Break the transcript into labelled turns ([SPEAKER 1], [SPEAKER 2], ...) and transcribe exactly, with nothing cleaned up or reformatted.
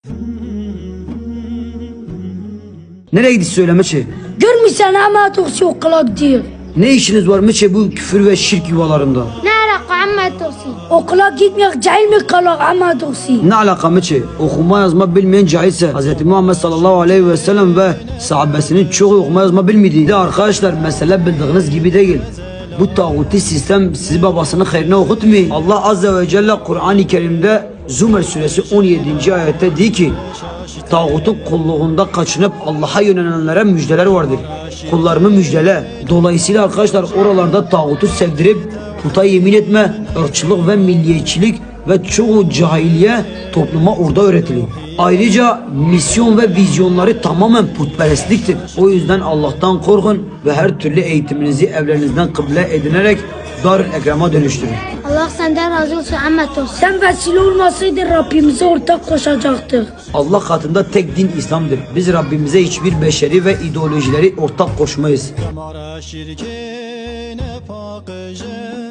[SPEAKER 1] Nereye gidiyorsun söyleme şey?
[SPEAKER 2] Görmüşsen ama toksi okula gidiyor.
[SPEAKER 1] Ne işiniz var mı bu küfür ve şirk yuvalarında?
[SPEAKER 2] Ne alaka amma toksi? Okula gitmiyor, cahil mi kalak amma toksi?
[SPEAKER 1] Ne alaka mı şey? Okuma yazma bilmeyen cahilse Hz. Muhammed sallallahu aleyhi ve sellem ve sahabesinin çoğu okuma yazma bilmedi. De arkadaşlar mesele bildiğiniz gibi değil. Bu tağuti sistem sizi babasının hayrına okutmuyor. Allah azze ve celle Kur'an-ı Kerim'de Zümer suresi on yedinci ayette diyor ki tağutun kulluğunda kaçınıp Allah'a yönelenlere müjdeler vardır. Kullarımı müjdele. Dolayısıyla arkadaşlar oralarda tağutu sevdirip puta yemin etme, ırkçılık ve milliyetçilik ve çoğu cahiliye topluma orada öğretilir. Ayrıca misyon ve vizyonları tamamen putperestliktir. O yüzden Allah'tan korkun ve her türlü eğitiminizi evlerinizden kıble edinerek Darül Ekrem'a dönüştürün.
[SPEAKER 2] Allah senden razı olsun amma toksi. Sen vesile olmasaydın Rabbimize ortak koşacaktık.
[SPEAKER 1] Allah katında tek din İslam'dır. Biz Rabbimize hiçbir beşeri ve ideolojileri ortak koşmayız.